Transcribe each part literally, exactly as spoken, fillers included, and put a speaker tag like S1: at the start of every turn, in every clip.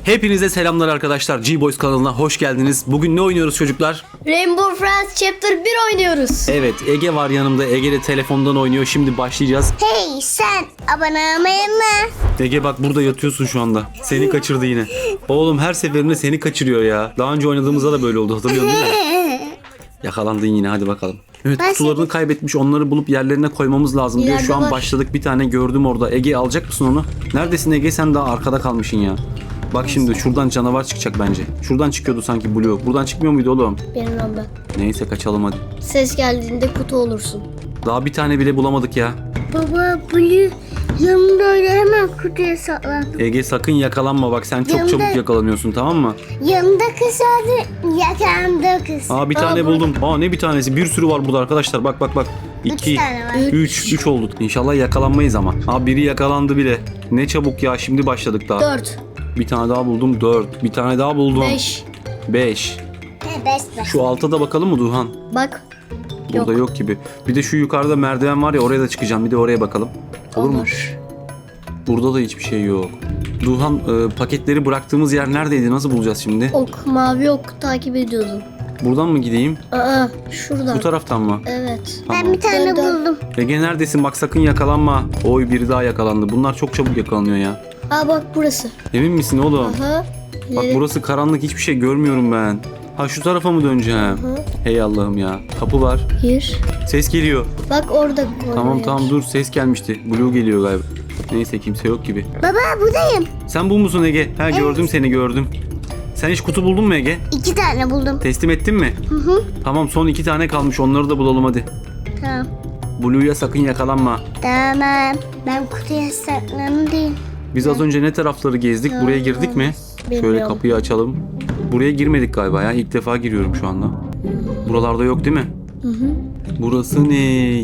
S1: Hepinize selamlar arkadaşlar. G-Boys kanalına hoş geldiniz. Bugün ne oynuyoruz çocuklar?
S2: Rainbow Friends Chapter bir oynuyoruz.
S1: Evet, Ege var yanımda. Ege de telefondan oynuyor. Şimdi başlayacağız.
S3: Hey sen abone olmayı mı?
S1: Ege bak burada yatıyorsun şu anda. Seni kaçırdı yine. Oğlum her seferinde seni kaçırıyor ya. Daha önce oynadığımızda da böyle oldu, hatırlıyorsun değil mi? Yakalandın yine, hadi bakalım. Evet,
S3: Ben
S1: kutularını kaybetmiş, onları bulup yerlerine koymamız lazım diyor.
S2: İleride
S1: Şu an
S2: var.
S1: başladık, bir tane gördüm orada. Ege alacak mısın onu? Neredesin Ege, sen daha arkada kalmışsın ya. Bak şimdi şuradan canavar çıkacak bence. Şuradan çıkıyordu sanki Blue. Buradan çıkmıyor muydu oğlum?
S2: Bilmem ben.
S1: Neyse kaçalım hadi.
S2: Ses geldiğinde kutu olursun.
S1: Daha bir tane bile bulamadık ya.
S3: Baba Blue yanımda öyle hemen kutuya saklan.
S1: Ege sakın yakalanma bak, sen çok
S3: Yanında-
S1: çabuk yakalanıyorsun, tamam mı?
S3: Yanımda kız vardı, yakamda kız.
S1: Aa bir tane buldum. Aa ne bir tanesi? Bir sürü var burada arkadaşlar. Bak bak bak.
S3: Üç
S1: İki,
S3: tane var.
S1: üç, üç olduk. İnşallah yakalanmayız ama. Aa biri yakalandı bile. Ne çabuk ya, şimdi başladık daha.
S2: Dört.
S1: Bir tane daha buldum. Dört. Bir tane daha buldum.
S2: Beş.
S1: Beş.
S3: He, beş beş.
S1: Şu alta da bakalım mı Duhan?
S2: Bak.
S1: Burada yok. gibi. Bir de şu yukarıda merdiven var ya, oraya da çıkacağım. Bir de oraya bakalım. Olur mu? Burada da hiçbir şey yok. Duhan e, paketleri bıraktığımız yer neredeydi? Nasıl bulacağız şimdi?
S2: Ok, mavi ok takip ediyordum.
S1: Buradan mı gideyim?
S2: Aa, şuradan.
S1: Bu taraftan mı?
S2: Evet.
S3: Ben bir tane
S2: Dön, dön.
S3: buldum.
S1: Ege neredesin? Bak sakın yakalanma. Oy biri daha yakalandı. Bunlar çok çabuk yakalanıyor ya.
S2: Aa bak burası.
S1: Emin misin oğlum?
S2: Aha.
S1: Bak
S2: İleri.
S1: burası karanlık, hiçbir şey görmüyorum ben. Ha şu tarafa mı döneceğim?
S2: Hı.
S1: Hey Allah'ım ya. Kapı var.
S2: Bir.
S1: Ses geliyor.
S2: Bak orada.
S1: Tamam
S2: koyuyor.
S1: tamam dur, ses gelmişti. Blue geliyor galiba. Neyse kimse yok gibi.
S3: Baba buradayım.
S1: Sen bu musun Ege? Ha gördüm seni, gördüm. Sen hiç kutu buldun mu Ege?
S3: İki tane buldum.
S1: Teslim ettin mi?
S3: Hı hı.
S1: Tamam, son iki tane kalmış, onları da bulalım hadi.
S3: Tamam.
S1: Blue'ya sakın yakalanma.
S3: Tamam. Ben kutuya saklandım.
S1: Biz az önce ne tarafları gezdik? Buraya girdik mi? Şöyle
S2: Bilmiyorum.
S1: kapıyı açalım. Buraya girmedik galiba ya. İlk defa giriyorum şu anda. Buralarda yok değil mi?
S2: Hı hı.
S1: Burası ne?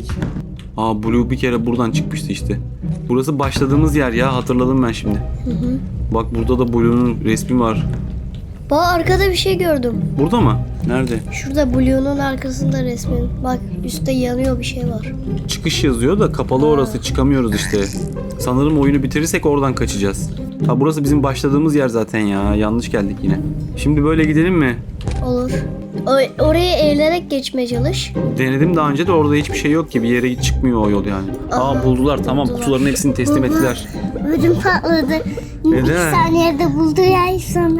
S1: Aa Blue bir kere buradan çıkmıştı işte. Burası başladığımız yer ya, hatırladım ben şimdi.
S2: Hı hı.
S1: Bak burada da Blue'nun resmi var.
S2: Bak arkada bir şey gördüm.
S1: Burada mı? Nerede?
S2: Şurada Blue'nun arkasında resmin. Bak üstte yanıyor bir şey var.
S1: Çıkış yazıyor da kapalı orası, çıkamıyoruz işte. Sanırım oyunu bitirirsek oradan kaçacağız. Ha burası bizim başladığımız yer zaten ya. Yanlış geldik yine. Şimdi böyle gidelim mi?
S2: Olur. O- oraya eğilerek geçmeye çalış.
S1: Denedim daha önce de, orada hiçbir şey yok ki. Bir yere çıkmıyor o yol yani. Aa
S2: Aha.
S1: buldular, tamam,
S2: Buldular.
S1: kutuların hepsini teslim ettiler.
S3: Ödüm patladı.
S1: Neden?
S3: İki saniyede buldu ya sonra.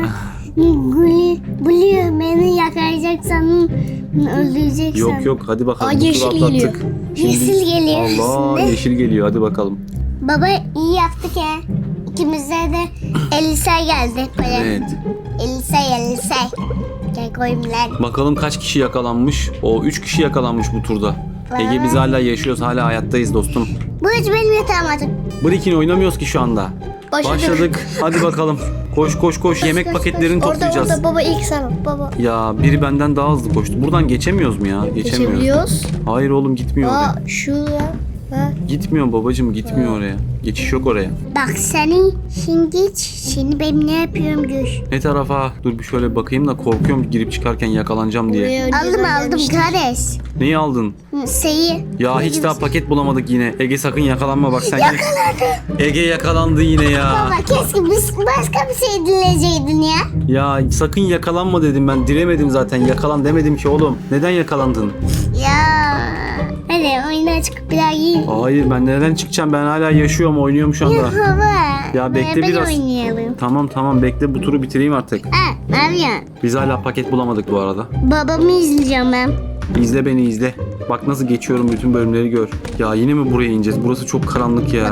S3: Blue, Blue beni yakalayacak sandım. Öldürecek
S1: Yok
S3: sandım.
S1: yok, hadi bakalım.
S2: Aa,
S1: Bu turu
S2: yeşil
S1: atlattık.
S2: geliyor.
S3: Yeşil geliyor
S1: Allah,
S3: şimdi.
S1: yeşil geliyor, hadi bakalım.
S3: Baba iyi yaptık ya. İkimize de Elisa geldi. Böyle.
S1: Evet.
S3: Elisa Elisa. Gel koyayım lan.
S1: Bakalım kaç kişi yakalanmış? O üç kişi yakalanmış bu turda. Ege biz hala yaşıyoruz, hala hayattayız dostum.
S3: Bu hiç benim yatağım artık.
S1: Breaking oynamıyoruz ki şu anda.
S2: Başladık.
S1: Başladık. Hadi bakalım. Koş koş koş. Yemek
S3: koş,
S1: paketlerini
S2: Orada
S1: toplayacağız.
S2: orada baba ilk sen baba.
S1: Ya biri benden daha hızlı koştu. Buradan geçemiyoruz mu ya? Geçemiyoruz.
S2: Geçebiliyoruz.
S1: Hayır oğlum, gitmiyor oraya.
S2: Aa şuraya. Ha.
S1: Gitmiyor babacığım, gitmiyor oraya. Geçiş yok oraya.
S3: Bak seni şimdi hiç. Şimdi ben ne yapıyorum gör.
S1: Ne tarafa? Dur bir şöyle bakayım da, korkuyorum girip çıkarken yakalanacağım diye.
S2: Buraya önceden
S3: Aldım aldım
S2: gelmiştik.
S3: kardeş.
S1: Neyi aldın?
S3: Şeyi.
S1: Ya hiç daha paket bulamadık yine. Ege sakın yakalanma bak sen. Ege yakalandı yine ya.
S3: Baba keşke biz başka bir şey dileyeceydin ya.
S1: Ya sakın yakalanma dedim ben. Dilemedim zaten. Yakalan demedim ki oğlum. Neden yakalandın?
S3: Ya. Hadi oyuna çıkıp bir daha giyin.
S1: Hayır, ben neden çıkacağım? Ben hala yaşıyorum, oynuyorum şu anda.
S3: Baba.
S1: Ya bekle
S3: beraber
S1: biraz.
S3: oynayalım.
S1: Tamam tamam bekle, bu turu bitireyim artık.
S3: Ha, ne yapıyorsun?
S1: Biz hala paket bulamadık bu arada.
S3: Babamı izleyeceğim ben.
S1: İzle beni, izle. Bak nasıl geçiyorum, bütün bölümleri gör. Ya yine mi buraya ineceğiz? Burası çok karanlık ya.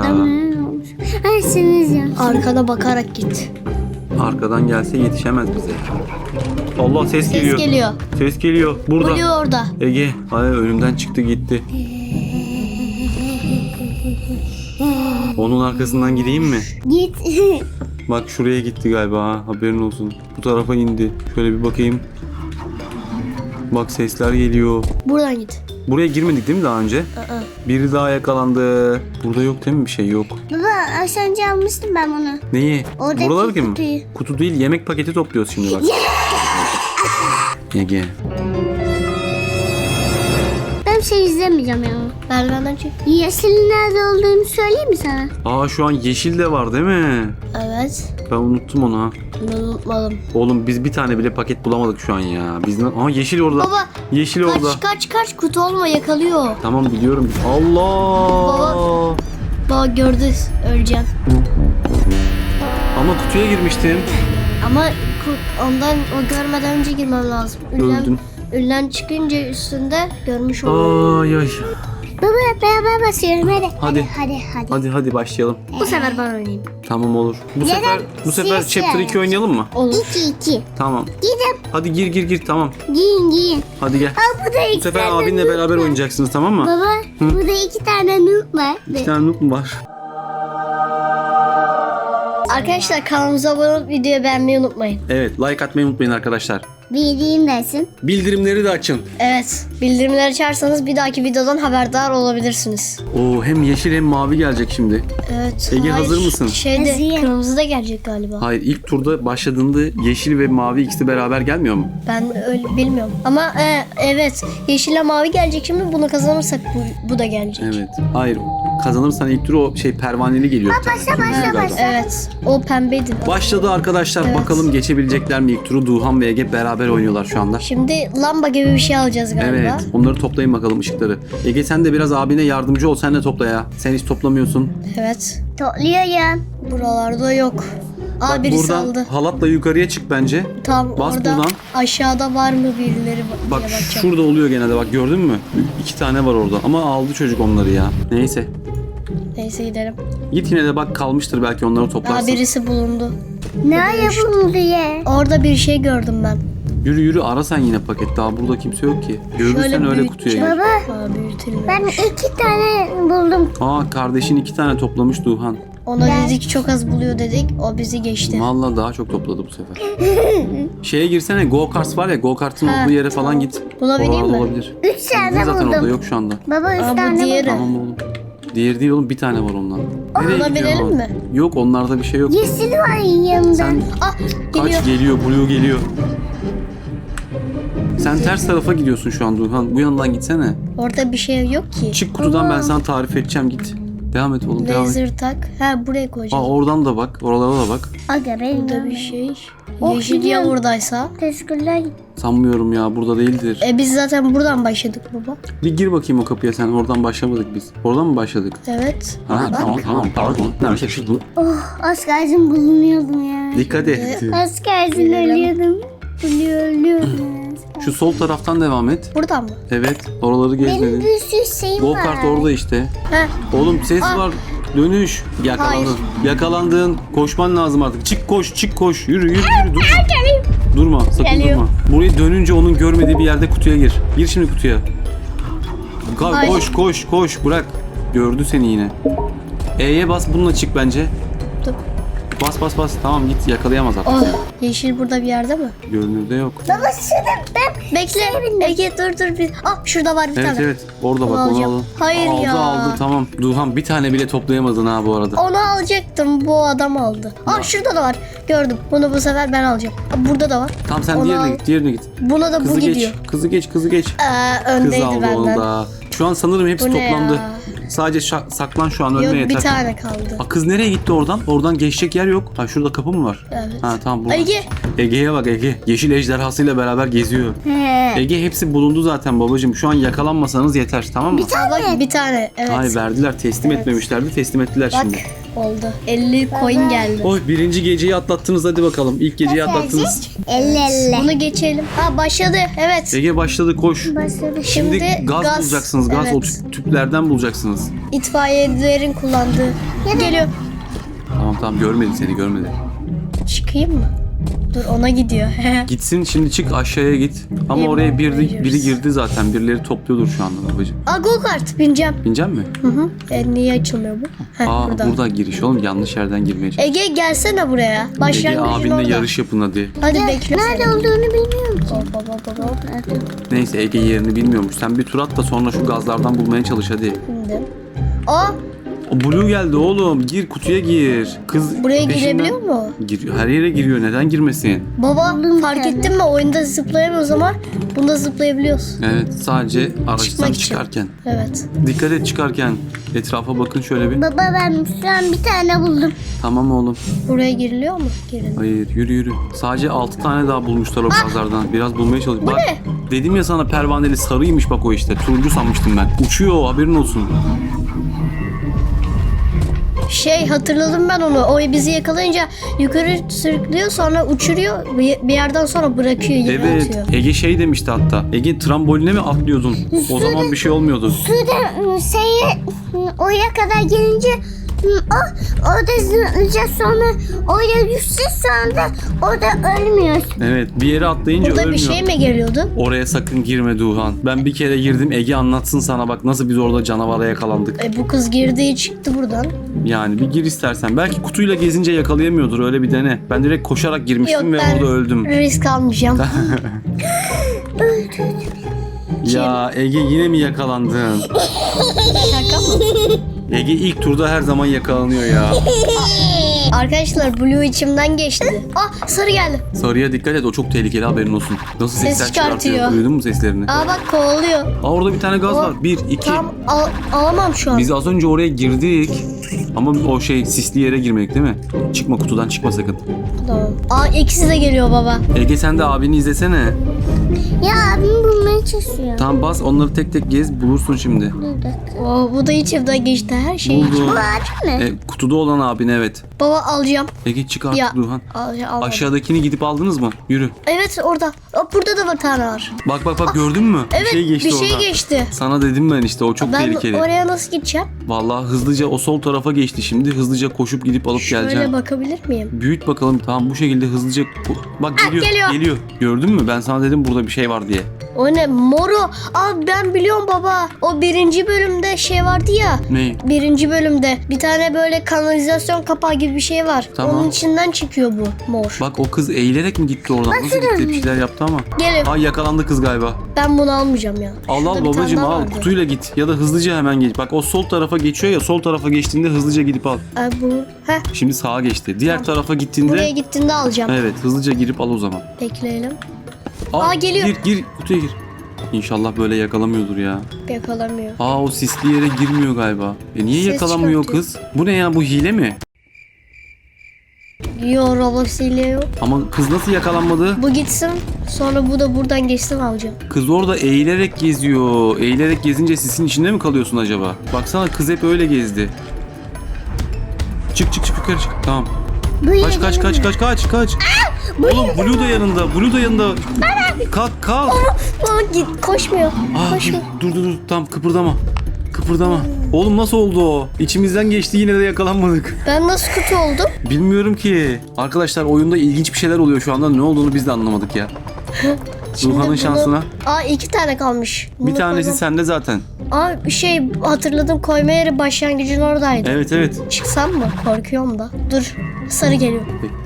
S3: Her seni izliyorum.
S2: Arkana bakarak git.
S1: Arkadan gelse yetişemez bize. Allah, ses
S2: Ses
S1: geliyor.
S2: geliyor.
S1: Ses geliyor. Burada.
S2: Blue orada.
S1: Ege, ay önümden çıktı gitti. Onun arkasından gideyim mi?
S3: Git.
S1: Bak şuraya gitti galiba ha, haberin olsun. Bu tarafa indi. Şöyle bir bakayım. Bak sesler geliyor.
S2: Buradan git.
S1: Buraya girmedik değil mi daha önce?
S2: Aa.
S1: Biri daha yakalandı. Burada yok değil mi bir şey? Yok.
S3: Baba az önce almıştım ben bunu.
S1: Neyi?
S3: Oradaki
S1: Buralar mı?
S3: kutuyu.
S1: Kutu değil, yemek paketi topluyoruz şimdi bak. Ege.
S3: Ben şey izlemeyeceğim ya.
S2: Merdivenden çık.
S3: Yeşilin nerede olduğunu söyleyeyim mi sana?
S1: Aa şu an yeşil de var değil mi?
S2: Evet.
S1: Ben unuttum onu ha.
S2: Bunu unutmadım.
S1: Oğlum biz bir tane bile paket bulamadık şu an ya. Biz ne? Aa yeşil orada.
S2: Baba
S1: Yeşil orada.
S2: kaç kaç kaç kutu olma yakalıyor.
S1: Tamam biliyorum. Allah.
S2: Baba. Baba gördü öleceğim.
S1: Ama kutuya girmiştim.
S2: Ama ku- ondan o görmeden önce girmem lazım. Ünlem,
S1: Öldüm.
S2: ünlem çıkınca üstünde görmüş olurum.
S1: Ay ay.
S3: Baba beraber basıyorum hadi.
S1: Hadi.
S3: Hadi hadi.
S1: Hadi hadi başlayalım.
S2: Bu sefer ben oynayayım.
S1: Tamam olur. Bu
S3: Ya da
S1: sefer bu sefer
S3: siz
S1: chapter
S3: şey-
S1: iki oynayalım mı?
S2: Olur.
S3: İki iki.
S1: Tamam.
S3: Gidin
S1: Hadi gir gir gir tamam.
S3: giyin giyin.
S1: Hadi gel.
S3: Aa bu da iki
S1: Bu sefer
S3: tane
S1: abinle
S3: noob
S1: beraber
S3: var.
S1: oynayacaksınız tamam mı?
S3: Baba burada iki tane noob var.
S1: İki tane noob mu var?
S2: Arkadaşlar kanalımıza abone olup videoyu beğenmeyi unutmayın.
S1: Evet like atmayı unutmayın arkadaşlar.
S3: Bildiğin dersin.
S1: Bildirimleri de açın.
S2: Evet. Bildirimleri açarsanız bir dahaki videodan haberdar olabilirsiniz.
S1: Oo hem yeşil hem mavi gelecek şimdi.
S2: Evet.
S1: Ege, hazır mısın?
S2: Şeyde
S3: Hazırım.
S2: kırmızı da gelecek galiba.
S1: Hayır ilk turda başladığında yeşil ve mavi ikisi beraber gelmiyor mu?
S2: Ben öyle bilmiyorum. Ama e, evet yeşille mavi gelecek şimdi bunu kazanırsak bu, bu da gelecek.
S1: Evet. Hayır kazanırsan ilk tur o şey pervaneli geliyor.
S3: başla,
S1: Kırmızı
S3: başla,
S1: galiba.
S3: başla.
S2: Evet. O pembeydi.
S1: Başladı arkadaşlar.
S2: Evet.
S1: Bakalım geçebilecekler mi ilk turu? Duhan ve Ege beraber oynuyorlar şu anda.
S2: Şimdi lamba gibi bir şey alacağız galiba.
S1: Evet. Onları toplayın bakalım ışıkları. Ege sen de biraz abine yardımcı ol. Sen de topla ya. Sen hiç toplamıyorsun.
S2: Evet.
S3: Topluyorum.
S2: Buralarda yok. Aa
S1: Bak
S2: birisi
S1: buradan
S2: aldı.
S1: halatla yukarıya çık bence.
S2: Tam
S1: bas
S2: orada
S1: buradan.
S2: aşağıda var mı birileri diye
S1: Bak
S2: bakacağım.
S1: şurada oluyor genelde bak gördün mü? İki tane var orada ama aldı çocuk onları ya. Neyse.
S2: Neyse gidelim.
S1: Git yine de bak kalmıştır belki onları
S2: Aa
S1: toplarsın.
S2: birisi bulundu.
S3: Nereye bulundu ya?
S2: Orada bir şey gördüm ben.
S1: Yürü yürü ara sen yine paket. Daha burada kimse yok ki. Görürsen öyle kutuya gir.
S2: büyüteceğim.
S3: Baba
S2: Aa büyütülmüyor.
S3: ben iki tane buldum.
S1: Aa kardeşin iki tane toplamış Duhan.
S2: Ona
S3: Ben-
S2: dedik çok az buluyor dedik. O bizi geçti.
S1: Vallahi daha çok topladı bu sefer. Şeye girsene go kart var ya go kartın
S2: Ha,
S1: olduğu yere falan git.
S2: Buna bineyim
S1: Oralarda
S2: mi?
S1: olabilir.
S3: Üç tane
S1: Zaten orada
S3: buldum.
S1: yok şu anda.
S3: Baba üç
S2: Aa, bu
S3: tane
S2: diğeri.
S3: buldum.
S1: Tamam oğlum. Diğeri değil oğlum bir tane var ondan. Nereye
S2: Buna
S1: gidiyorsun?
S2: binelim mi?
S1: Yok onlarda bir şey yok.
S3: Yeşil var yanında.
S1: Sen
S2: Ah geliyor.
S1: kaç geliyor Blue geliyor. Sen ters tarafa gidiyorsun şu an Duhan. Bu yandan gitsene.
S2: Orada bir şey yok ki.
S1: Çık kutudan ben sana tarif edeceğim git. Devam et oğlum devam et.
S2: Laser tak. Ha buraya
S1: Aa
S2: koyacağım.
S1: oradan da bak. Oralara da bak.
S3: Aga benim
S2: Burada bir şey.
S3: Oh,
S2: Yeşil ya
S3: gidiyorum.
S2: buradaysa.
S3: Teşekkürler.
S1: Sanmıyorum ya burada değildir.
S2: E biz zaten buradan başladık baba.
S1: Bir gir bakayım o kapıya sen. Oradan başlamadık biz. Oradan mı başladık?
S2: Evet.
S1: Ha, tamam tamam pardon. Nerede şey bu?
S3: Oh az kalsın bulunuyordum ya.
S1: Dikkat et.
S3: Az kalsın ölüyordum. Ölüyor, ölüyordum.
S1: Şu sol taraftan devam et.
S2: Buradan mı?
S1: Evet. Oraları
S3: Benim
S1: gezmedin.
S3: bir sürü şeyim
S1: Go
S3: var.
S1: kart orada işte.
S2: Ha.
S1: Oğlum ses
S2: Aa.
S1: var. Dönüş. Yakalandın.
S2: Hayır.
S1: Yakalandın. Koşman lazım artık. Çık koş, çık koş. Yürü, yürü, yürü. Durma. Durma, sakın
S2: Geliyor.
S1: durma. Buraya dönünce onun görmediği bir yerde kutuya gir. Gir şimdi kutuya. Ka-
S2: Hayır.
S1: koş, koş, koş. Bırak. Gördü seni yine. E'ye bas, bununla çık bence.
S2: Dur.
S1: Bas bas bas. Tamam git yakalayamaz artık.
S2: Oh. Yeşil burada bir yerde mi?
S1: Görünürde yok.
S3: Baba şurada ben
S2: Bekle. Ege dur dur bir. Ah şurada var bir
S1: Evet
S2: tane.
S1: evet. Orada
S2: Onu
S1: bak onu
S2: alacağım.
S1: alın.
S2: Hayır
S1: aldı,
S2: ya.
S1: Aldı tamam. Duhan bir tane bile toplayamadın ha bu arada.
S2: Onu alacaktım. Bu adam aldı. Ah şurada da var. Gördüm. Bunu bu sefer ben alacağım. Aa, burada da var.
S1: Tamam sen
S2: Onu
S1: diğerine
S2: al.
S1: git. Diğerine git.
S2: Buna da
S1: Kızı
S2: bu
S1: geç.
S2: gidiyor.
S1: Kızı geç. Kızı geç.
S2: Ee,
S1: Kız
S2: öndeydi
S1: aldı
S2: benden.
S1: onu da. Şu an sanırım hepsi
S2: Bu ne
S1: toplandı.
S2: ya?
S1: Sadece şa- saklan şu an ölme
S2: Yok
S1: yeter.
S2: bir tane kaldı.
S1: Aa, kız nereye gitti oradan? Oradan geçecek yer yok. Ha şurada kapı mı var?
S2: Evet.
S1: Ha tamam bu.
S2: Ege.
S1: Ege'ye bak Ege. Yeşil ejderhasıyla beraber geziyor.
S3: He.
S1: Ege hepsi bulundu zaten babacığım. Şu an yakalanmasanız yeter tamam mı?
S2: Aa, bak bir tane. Evet.
S1: Hayır verdiler. Teslim
S2: Evet.
S1: etmemişlerdi. Teslim ettiler
S2: Bak
S1: şimdi.
S2: oldu. elli coin geldi.
S1: Oy birinci geceyi atlattınız hadi bakalım. İlk geceyi atlattınız.
S3: Elle elle.
S2: Bunu geçelim. Ha başladı. Evet.
S1: Ege başladı koş.
S3: Başladı.
S1: Şimdi,
S2: Şimdi
S1: gaz,
S2: gaz,
S1: bulacaksınız. Gaz o
S2: evet.
S1: tüp- tüplerden bulacaksınız.
S2: İtfaiyecilerin kullandığı. Geliyor.
S1: Tamam tamam görmedi seni görmedi.
S2: Çıkayım mı? Dur ona gidiyor.
S1: Gitsin şimdi çık aşağıya git. Ama
S2: Eyvah,
S1: oraya biri,
S2: Avengers.
S1: biri girdi zaten. Birileri topluyordur şu anda babacığım.
S2: Aa go kart bineceğim.
S1: Binecek mi?
S2: Hı hı. E, niye açılmıyor bu? Heh,
S1: Aa
S2: burada.
S1: burada giriş oğlum. Yanlış yerden girmeye çalış.
S2: Ege gelsene buraya.
S1: Ege
S2: Başlangıcın
S1: abinle
S2: orada.
S1: yarış yapın hadi.
S2: Hadi
S3: Ya,
S2: bekle.
S3: nerede olduğunu bilmiyorum ki.
S2: Hop hop hop hop.
S1: Neyse Ege yerini bilmiyormuş. Sen bir tur at da sonra şu gazlardan bulmaya çalış hadi.
S2: Şimdi. Aa
S1: O Blue geldi oğlum. Gir kutuya gir. Kız
S2: Buraya
S1: peşinden-
S2: girebiliyor mu?
S1: Giriyor. Her yere giriyor. Neden girmesin?
S2: Baba
S3: Buldum
S2: fark
S3: bir tane.
S2: ettin mi? Oyunda zıplayamıyoruz ama bunda zıplayabiliyoruz.
S1: Evet, sadece araçtan
S2: Çıkmak için.
S1: çıkarken.
S2: Evet.
S1: Dikkat et çıkarken. Etrafa bakın şöyle bir.
S3: Baba ben şu an bir tane buldum.
S1: Tamam oğlum.
S2: Buraya giriliyor mu? Girin.
S1: Hayır, yürü yürü. Sadece altı tane daha bulmuşlar o pazardan. Biraz bulmaya çalışıyorum. Bak,
S2: ne?
S1: dedim ya sana pervaneli sarıymış bak o işte. Turuncu sanmıştım ben. Uçuyor o, haberin olsun.
S2: Şey hatırladım ben onu. O bizi yakalayınca yukarı sürüklüyor sonra uçuruyor. Bir bir yerden sonra bırakıyor yere
S1: Evet,
S2: atıyor.
S1: Ege şey demişti hatta. Ege tramboline mi atlıyordun? O zaman bir şey olmuyordu.
S3: Suda ıı, şeye ıı, oraya kadar gelince ıı, o orada zıplayacağız sonra oraya düşeceğiz sonra da orada ölmüyor.
S1: Evet, bir yere atlayınca
S2: Burada
S1: ölmüyor.
S2: bir şey mi geliyordu?
S1: Oraya sakın girme Duhan. Ben bir kere girdim, Ege anlatsın sana bak nasıl biz orada canavara yakalandık.
S2: E, bu kız girdi çıktı buradan.
S1: Yani bir gir istersen. Belki kutuyla gezince yakalayamıyordur, öyle bir dene. Ben direkt koşarak girmiştim ve
S2: ben
S1: orada öldüm.
S2: risk almayacağım.
S1: Ya Ege yine mi yakalandın?
S2: Şaka mı?
S1: Ege ilk turda her zaman yakalanıyor ya.
S2: Arkadaşlar Blue içimden geçti. Ah sarı geldi.
S1: Sarıya dikkat et, o çok tehlikeli, haberin olsun. Nasıl
S2: Ses
S1: sesler çıkartıyor.
S2: çıkartıyor.
S1: Duydun mu seslerini?
S2: Aa bak kovalıyor.
S1: Aa, orada bir tane gaz
S2: O-
S1: var. Bir, iki.
S2: Tam al, alamam şu an.
S1: Biz az önce oraya girdik. Ama o şey sisli yere girmek değil mi? Çıkma kutudan, çıkma sakın.
S2: Tamam. Aa ikisi de geliyor baba.
S1: Ege sen de abini izlesene.
S3: Ya abim bulmaya çalışıyor.
S1: Tamam bas, onları tek tek gez, bulursun şimdi.
S3: Bir dakika.
S2: Oo, bu da içimden geçti her şey.
S1: Buldum.
S3: Bu abim mi?
S1: E, kutuda olan abin, evet.
S2: Baba alacağım.
S1: Ege çık artık
S2: Ya
S1: Duhan.
S2: al, almadım.
S1: Aşağıdakini gidip aldınız mı? Yürü.
S2: Evet orada. Aa, burada da bir tane var.
S1: Bak bak bak, gördün mü?
S2: Evet
S1: bir şey geçti
S2: bir şey
S1: oradan.
S2: geçti.
S1: Sana dedim ben işte, o çok
S2: Ben
S1: tehlikeli.
S2: oraya nasıl gideceğim?
S1: Vallahi hızlıca o sol tarafa geçti şimdi. Hızlıca koşup gidip alıp
S2: Şöyle
S1: geleceğim.
S2: bakabilir miyim?
S1: Büyüt bakalım. Tamam, bu şekilde hızlıca ko- bak
S2: Ah,
S1: geliyor,
S2: geliyor.
S1: Gördün mü? Ben sana dedim burada bir şey var diye.
S2: O ne? Moro. Aa ben biliyorum baba. O birinci bölümde şey vardı ya.
S1: Ne?
S2: Birinci bölümde bir tane böyle kanalizasyon kapağı gibi bir şey var.
S1: Tamam.
S2: Onun içinden çıkıyor bu mor.
S1: Bak o kız eğilerek mi gitti oradan? Nasıl gitti? Bir şeyler yaptı ama.
S2: Gelin.
S1: Ay yakalandı kız galiba.
S2: Ben bunu almayacağım ya.
S1: Al
S2: Şurada
S1: al
S2: bir tane
S1: babacım
S2: daha
S1: al.
S2: vardı.
S1: Kutuyla git. Ya da hızlıca hemen geç. Bak o sol tarafa geçiyor ya. Sol tarafa geçtiğinde hızlıca gidip al.
S2: Aa, bu. Heh,
S1: Şimdi sağa geçti. Diğer tarafa gittiğinde.
S2: buraya gittiğinde alacağım.
S1: Evet, hızlıca girip al o zaman.
S2: Bekleyelim.
S1: Al,
S2: Aa, geliyor.
S1: Gir gir kutuya gir. İnşallah böyle yakalamıyordur ya.
S2: Yakalamıyor.
S1: Aa, o sisli yere girmiyor galiba. E niye
S2: Ses
S1: yakalamıyor
S2: çıkartıyor.
S1: kız? Bu ne ya, bu hile mi?
S2: Yo robosiyle yok.
S1: Ama kız nasıl yakalanmadı?
S2: Bu gitsin. Sonra bu da buradan geçsin alacağım.
S1: Kız orada eğilerek geziyor. Eğilerek gezince sisin içinde mi kalıyorsun acaba? Baksana kız hep öyle gezdi. Çık çık çık yukarı çık. Tamam.
S3: Bu
S1: Kaç
S3: yere
S1: kaç kaç
S3: gelmiyor.
S1: kaç kaç kaç. Oğlum Blue da yanında. Blue da yanında. Kalk kalk.
S2: Aa, git koşmuyor.
S1: Aa, dur,
S2: Koşmuyor.
S1: dur dur dur. Tamam, kıpırdama. Kıpırdama. Oğlum nasıl oldu o? İçimizden geçti, yine de yakalanmadık.
S2: Ben nasıl kötü oldum?
S1: Bilmiyorum ki. Arkadaşlar oyunda ilginç bir şeyler oluyor şu anda. Ne olduğunu biz de anlamadık ya.
S2: Şimdi
S1: Duhan'ın
S2: bunu-
S1: şansına.
S2: Aa iki tane kalmış.
S1: Bir
S2: Bunu
S1: tanesi
S2: koymam-
S1: sende zaten.
S2: Aa şey hatırladım koyma yeri başlangıcın oradaydı.
S1: Evet evet.
S2: Çıksam mı? Korkuyorum da. Dur. Sarı geliyor.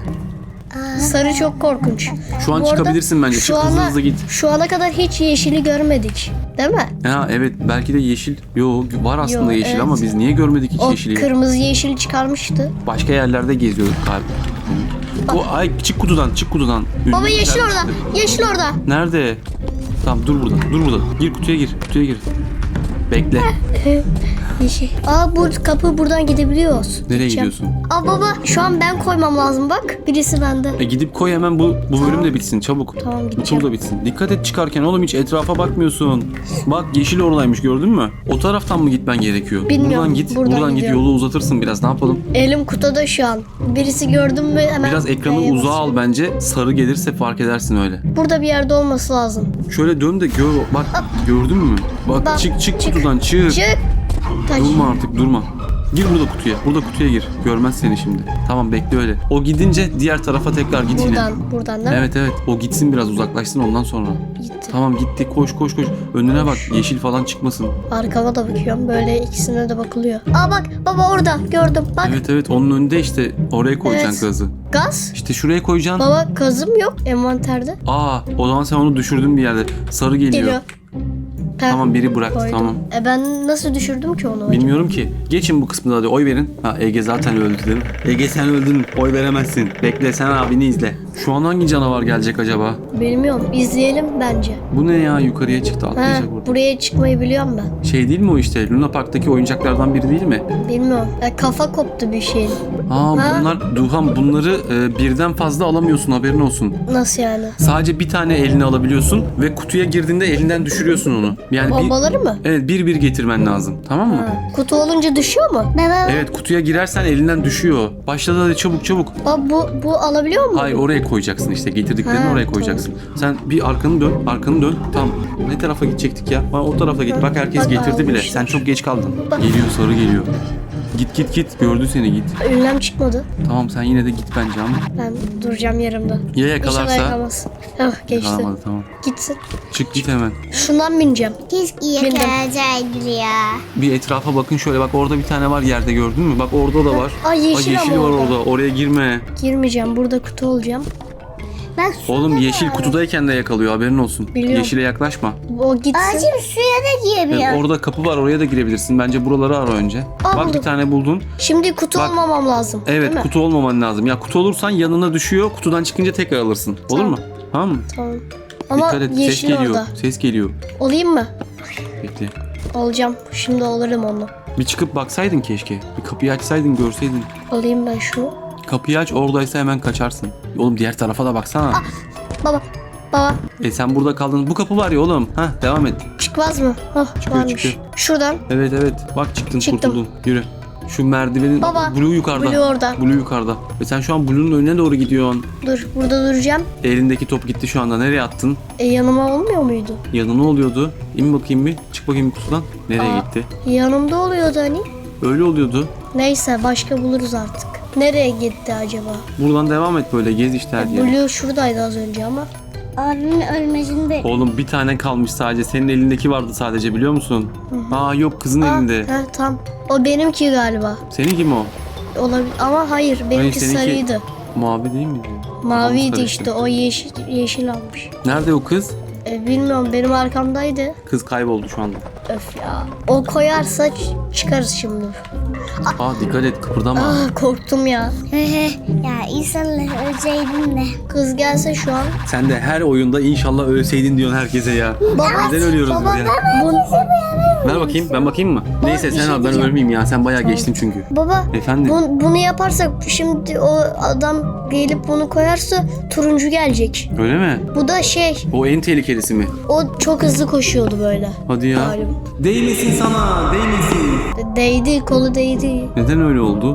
S2: Sarı çok korkunç.
S1: Şu an
S2: Bu arada
S1: çıkabilirsin bence.
S2: şu
S1: Çık hızlı
S2: ana-
S1: hızlı git.
S2: Şu ana kadar hiç yeşili görmedik. Değil mi?
S1: Ha evet, belki de yeşil. Yo, var aslında
S2: Yo,
S1: yeşil
S2: evet.
S1: ama biz niye görmedik hiç
S2: O
S1: yeşili?
S2: kırmızı yeşil çıkarmıştı.
S1: Başka yerlerde geziyorduk galiba. O ay, çık kutudan, çık kutudan.
S2: Baba
S1: Ünlü
S2: yeşil
S1: bir
S2: orada.
S1: servisinde.
S2: Yeşil orada.
S1: Nerede? Tamam, dur burada. Dur burada. Gir kutuya gir. Kutuya gir. Bekle.
S2: Yeşil. Aa bu kapı buradan gidebiliyoruz.
S1: Nereye
S2: Gideceğim.
S1: gidiyorsun?
S2: Aa baba şu an ben koymam lazım bak. Birisi bende.
S1: E gidip koy hemen, bu bu bölüm de bitsin çabuk.
S2: Tamam,
S1: Bu
S2: gideceğim.
S1: tur da bitsin. Dikkat et çıkarken oğlum, hiç etrafa bakmıyorsun. Bak yeşil oradaymış, gördün mü? O taraftan mı gitmen gerekiyor?
S2: Bilmiyorum,
S1: Buradan git.
S2: buradan
S1: Buradan, git,
S2: gidiyorum.
S1: yolu uzatırsın biraz. Ne yapalım?
S2: Elim kutuda şu an. Birisi gördüm mü hemen.
S1: Biraz ekranı
S2: B'ye
S1: uzağa
S2: basıyorum.
S1: al bence. Sarı gelirse fark edersin öyle.
S2: Burada bir yerde olması lazım.
S1: Şöyle dön de gör. Bak gördün mü? Bak,
S2: Bak,
S1: çık çık
S2: çık.
S1: kutudan çık.
S2: Çık. Taş.
S1: Durma artık, durma. Gir burada kutuya. Burada kutuya gir. Görmez seni şimdi. Tamam, bekle öyle. O gidince diğer tarafa tekrar git yine.
S2: Buradan, buradan değil mi?
S1: Evet evet. O gitsin, biraz uzaklaşsın ondan sonra.
S2: Gitti.
S1: Tamam gitti. Koş koş koş. Önüne bak. Yeşil falan çıkmasın.
S2: Arkama da bakıyorum. Böyle ikisine de bakılıyor. Aa bak baba orada gördüm. Bak
S1: Evet evet. Onun önünde işte. Oraya koyacaksın
S2: Evet.
S1: gazı.
S2: gaz.
S1: İşte şuraya koyacaksın.
S2: Baba gazım yok envanterde.
S1: Aa, o zaman sen onu düşürdün bir yerde. Sarı geliyor.
S2: Geliyor. Heh,
S1: Tamam biri bıraktı
S2: koydum.
S1: tamam.
S2: E ben nasıl düşürdüm ki onu?
S1: Bilmiyorum ki. Geçin bu kısmını hadi oy verin. Ha Ege zaten öldü değil mi? Ege sen öldün. Oy veremezsin. Bekle sen abini izle. Şu an hangi canavar gelecek acaba?
S2: Bilmiyorum. İzleyelim bence.
S1: Bu ne ya? Yukarıya çıktı
S2: Ha,
S1: atlayacak burada.
S2: buraya çıkmayı biliyorum ben.
S1: Şey değil mi o işte? Luna Park'taki oyuncaklardan biri değil mi?
S2: Bilmiyorum. E, kafa koptu bir şeyin.
S1: Aa
S2: Ha?
S1: bunlar Duhan bunları e, birden fazla alamıyorsun haberin olsun.
S2: Nasıl yani?
S1: Sadece bir tane eline alabiliyorsun ve kutuya girdiğinde elinden düşürüyorsun onu. Yani bir,
S2: Bombaları mı?
S1: evet bir bir getirmen lazım. Tamam mı?
S2: Ha. Kutu olunca düşüyor mu?
S3: Baba
S1: Evet kutuya girersen elinden düşüyor. Başladı hadi çabuk çabuk.
S2: Baba bu, bu alabiliyor mu?
S1: Hayır oraya koyacaksın işte getirdiklerini
S2: Ha,
S1: oraya koyacaksın. Sen bir arkanı dön, arkanı dön. Tamam. Ne tarafa gidecektik ya? Ha, o tarafa git. Bak herkes
S2: Bak,
S1: getirdi bile.
S2: almışlar.
S1: Sen çok geç kaldın.
S2: Bak.
S1: Geliyor sarı geliyor. Git git git. Gördü seni git.
S2: Ünlem çıkmadı.
S1: Tamam sen yine de git bence ama.
S2: Ben duracağım yerimde.
S1: Ya
S2: İnşallah
S1: yakalarsa?
S2: yakalamaz. Hah geçti.
S1: Yakalamadı tamam.
S2: Gitsin.
S1: Çık git hemen.
S2: Şundan bineceğim.
S3: keşke yakalayacaktı ya.
S1: Bir etrafa bakın şöyle bak orada bir tane var yerde gördün mü? Bak orada da var.
S2: Ay yeşil,
S1: Bak yeşil
S2: ama
S1: var
S2: orada.
S1: orada. Oraya girme.
S2: Girmeyeceğim. Burada kutu olacağım.
S3: Bak suya
S1: Oğlum
S3: da
S1: yeşil
S3: var.
S1: kutudayken de yakalıyor haberin olsun.
S2: Biliyorum.
S1: Yeşile yaklaşma.
S2: O gitsin.
S3: Ağacım suya da
S1: Evet,
S3: girebiliyor.
S1: orada kapı var oraya da girebilirsin. Bence buraları ara önce.
S2: Aa,
S1: Bak bir
S2: buldum.
S1: tane buldun.
S2: Şimdi kutu
S1: Bak.
S2: olmamam lazım.
S1: Evet
S2: değil mi?
S1: kutu olmaman lazım. Ya kutu olursan yanına düşüyor. Kutudan çıkınca tekrar alırsın. Olur
S2: Tamam.
S1: mu? Tamam mı?
S2: Tamam. Ama
S1: Dikkat et ses
S2: yeşil
S1: geliyor.
S2: orada.
S1: Ses geliyor.
S2: Olayım mı?
S1: Bekle.
S2: Olacağım. Şimdi olurum onu.
S1: Bir çıkıp baksaydın keşke. Bir kapıyı açsaydın görseydin.
S2: Alayım ben şunu.
S1: Kapıyı aç oradaysa hemen kaçarsın. Oğlum diğer tarafa da baksana.
S2: Baba. Baba.
S1: E sen burada kaldın. Bu kapı var ya oğlum. Hah devam et.
S2: Çıkmaz mı? Hah
S1: Çıkıyor,
S2: varmış.
S1: çıkıyor.
S2: Şuradan.
S1: Evet evet. Bak çıktın
S2: Çıktım.
S1: kurtuldun. Yürü. Şu merdivenin
S2: Baba,
S1: Blue yukarıda.
S2: Blue orada.
S1: Blue yukarıda. Ve sen şu an Blue'nun önüne doğru gidiyorsun.
S2: Dur. Burada duracağım.
S1: Elindeki top gitti şu anda. Nereye attın?
S2: E, yanıma olmuyor muydu?
S1: Yanı ne oluyordu? İn bakayım bir. Çık bakayım kutudan. Nereye
S2: Aa.
S1: gitti?
S2: Yanımda oluyordu hani.
S1: Öyle oluyordu.
S2: Neyse başka buluruz artık. Nereye gitti acaba?
S1: Buradan devam et böyle. Gez işte her yeri.
S2: Blue şuradaydı az önce ama.
S3: Abimin ölmesini bekliyor.
S1: Oğlum bir tane kalmış sadece. Senin elindeki vardı sadece biliyor musun? Aa yok kızın
S2: Aa,
S1: elinde.
S2: he, tam. O benimki galiba.
S1: Senin kim o?
S2: Olabilir ama hayır benimki
S1: seninki-
S2: sarıydı.
S1: Mavi değil miydi?
S2: Maviydi
S1: Kafamız
S2: işte
S1: karıştı.
S2: o yeşil yeşil almış.
S1: Nerede o kız?
S2: E, bilmiyorum benim arkamdaydı.
S1: Kız kayboldu şu anda.
S2: Öf ya. O koyarsa ç- çıkarız şimdi.
S1: Aa dikkat et kıpırdama.
S2: Ah korktum ya.
S3: Ya insanlar ölseydin de.
S2: Kız gelse şu an.
S1: Sen de her oyunda inşallah ölseydin diyorsun herkese ya.
S2: Baba.
S1: Neden ölüyoruz biz ya?
S2: Bu,
S1: Ver bakayım ben bakayım mı? Neyse
S2: bir
S1: sen
S2: şey
S1: al ben
S2: diyeceğim.
S1: ölmeyeyim ya. Sen bayağı geçtin çünkü.
S2: baba.
S1: Efendim?
S2: bu- bunu yaparsak şimdi o adam gelip bunu koyarsa turuncu gelecek.
S1: Öyle mi?
S2: Bu da şey.
S1: O en tehlikelisi mi?
S2: O çok hızlı koşuyordu böyle.
S1: Hadi ya.
S2: Galiba.
S1: Değmesin sana, değmesin.
S2: Değdi kolu değdi.
S1: Neden öyle oldu?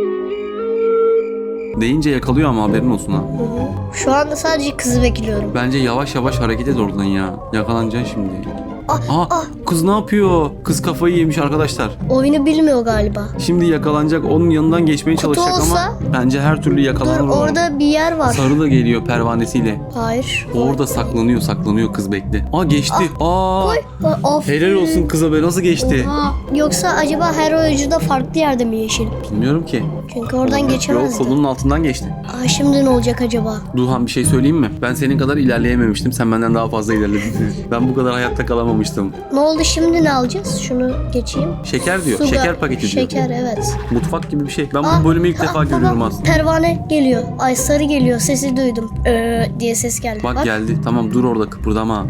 S1: Deyince yakalıyor ama haberin olsun ha.
S2: Hı hı. Şu anda sadece kızı bekliyorum.
S1: Bence yavaş yavaş hareket et oradan ya. Yakalanacaksın şimdi.
S2: Ah,
S1: Aa,
S2: ah.
S1: kız ne yapıyor? Kız kafayı yemiş arkadaşlar.
S2: Oyunu bilmiyor galiba.
S1: Şimdi yakalanacak, onun yanından geçmeye
S2: Kutu
S1: çalışacak
S2: olsa-
S1: ama bence her türlü
S2: Dur
S1: yakalanır o.
S2: orada bir yer var.
S1: Sarı da geliyor pervanesiyle.
S2: Hayır.
S1: Orada saklanıyor, saklanıyor kız bekle. Aa geçti. Aa.
S2: Koy. Of.
S1: Helal olsun kıza be nasıl geçti?
S2: Oha. Yoksa acaba her oyuncu da farklı yerde mi yeşil?
S1: Bilmiyorum ki.
S2: Çünkü oradan
S1: Yok
S2: geçemezdi.
S1: kolunun altından geçti.
S2: Aa, şimdi ne olacak acaba?
S1: Duhan bir şey söyleyeyim mi? Ben senin kadar ilerleyememiştim. Sen benden daha fazla ilerledin. Ben bu kadar hayatta kalamamıştım.
S2: Ne oldu şimdi ne alacağız? Şunu geçeyim.
S1: Şeker diyor.
S2: Su
S1: Şeker
S2: ga-
S1: paketi diyor.
S2: Şeker evet.
S1: Mutfak gibi bir şey. Ben
S2: Aa,
S1: bu bölümü ilk
S2: aa,
S1: defa
S2: baba,
S1: görüyorum aslında.
S2: Pervane geliyor. Ay sarı geliyor. Sesi duydum. Ee, diye ses geldi.
S1: Bak,
S2: Bak,
S1: geldi. Tamam dur orada kıpırdama.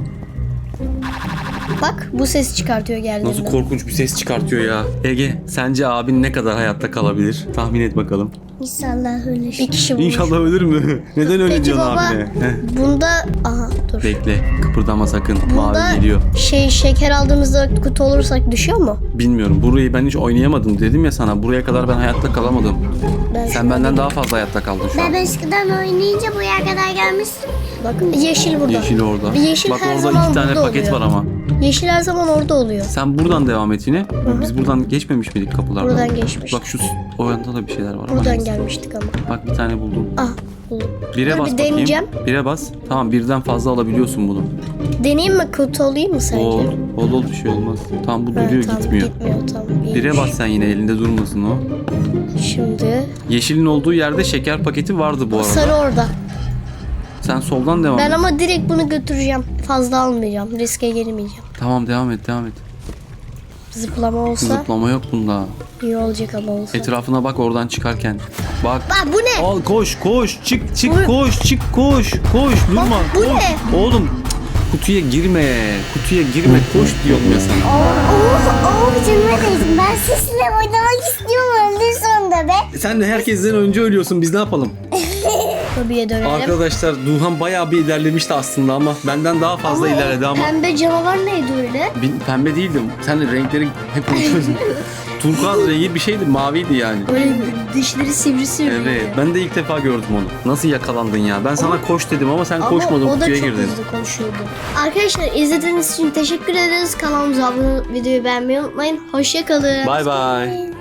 S2: bak bu ses çıkartıyor geldiğinde.
S1: Nasıl korkunç bir ses çıkartıyor ya. Ege sence abin ne kadar hayatta kalabilir? Tahmin et bakalım.
S3: İnşallah ölür.
S2: Bir kişi bulmuş.
S1: İnşallah ölür mü? Neden öyle
S2: Peki
S1: diyorsun
S2: baba
S1: abine? Heh.
S2: bunda aha dur.
S1: Bekle kıpırdama sakın.
S2: Bunda
S1: Mavi geliyor.
S2: şey şeker aldığımızda kutu olursak düşüyor mu?
S1: Bilmiyorum. Burayı ben hiç oynayamadım. Dedim ya sana. Buraya kadar ben hayatta kalamadım.
S2: Ben
S1: Sen benden daha fazla hayatta kaldın şu an.
S3: Ben eskiden oynayınca buraya kadar gelmiştim.
S2: Bakın yeşil burada.
S1: Yeşil orada.
S2: Yeşil
S1: Bak
S2: her
S1: orada
S2: zaman
S1: iki tane
S2: burada
S1: paket
S2: oluyor.
S1: var ama.
S2: Yeşil her zaman orada oluyor.
S1: Sen buradan devam et yine. Biz buradan geçmemiş miydik kapılardan?
S2: Buradan geçmiş.
S1: Bak şu s- o yanda da bir şeyler var. ama
S2: Buradan
S1: neyse.
S2: gelmiştik ama.
S1: Bak bir tane buldum.
S2: Ah buldum.
S1: Bire
S2: Dur,
S1: bas
S2: bir
S1: bakayım.
S2: deneyeceğim.
S1: Bire bas. Tamam birden fazla alabiliyorsun bunu.
S2: Deneyeyim mi kutu olayım mı sence?
S1: Ol, ol ol bir şey olmaz. Tamam bu
S2: Ha,
S1: duruyor
S2: tamam,
S1: gitmiyor.
S2: Gitmiyor tamam.
S1: Bire
S2: iyiymiş.
S1: bas sen yine elinde durmasın o.
S2: Şimdi
S1: Yeşilin olduğu yerde şeker paketi vardı bu arada.
S2: sarı orada.
S1: Sen soldan devam
S2: Ben
S1: et.
S2: ama direkt bunu götüreceğim. Fazla almayacağım. Riske girmeyeceğim.
S1: Tamam devam et devam et.
S2: Zıplama olsa
S1: Zıplama yok bunda.
S2: iyi olacak ama olsa.
S1: Etrafına bak oradan çıkarken. Bak.
S2: Bak bu ne?
S1: Al koş koş çık çık
S2: Bu-
S1: koş çık koş koş durma.
S2: bu
S1: koş.
S2: ne?
S1: Oğlum kutuya girme. Kutuya girme koş diyorum ya sana.
S3: Oh, oh canıma değsin. Ben sizinle oynamak istiyorum öldüğün sonunda be.
S1: Sen de herkesten önce ölüyorsun biz ne yapalım?
S2: Tabiye dönelim.
S1: Arkadaşlar Duhan bayağı bir ilerlemişti aslında ama benden daha fazla
S2: Ama
S1: ilerledi ama.
S2: Pembe canavar neydi öyle?
S1: Bin- Pembe değildim. Sen de renkleri hep unutuyorsun. Turkuaz rengi bir şeydi, maviydi yani.
S2: Öyle dişleri sivri sivri.
S1: Evet, ben de ilk defa gördüm onu. Nasıl yakalandın ya? Ben sana koş dedim ama sen
S2: Ama
S1: koşmadın,
S2: o da
S1: kutuya
S2: çok
S1: girdin.
S2: hızlı konuşuyordu. Arkadaşlar izlediğiniz için teşekkür ederiz. Kanalımıza abone olup videoyu beğenmeyi unutmayın. Hoşça kalın.
S1: Bay bay.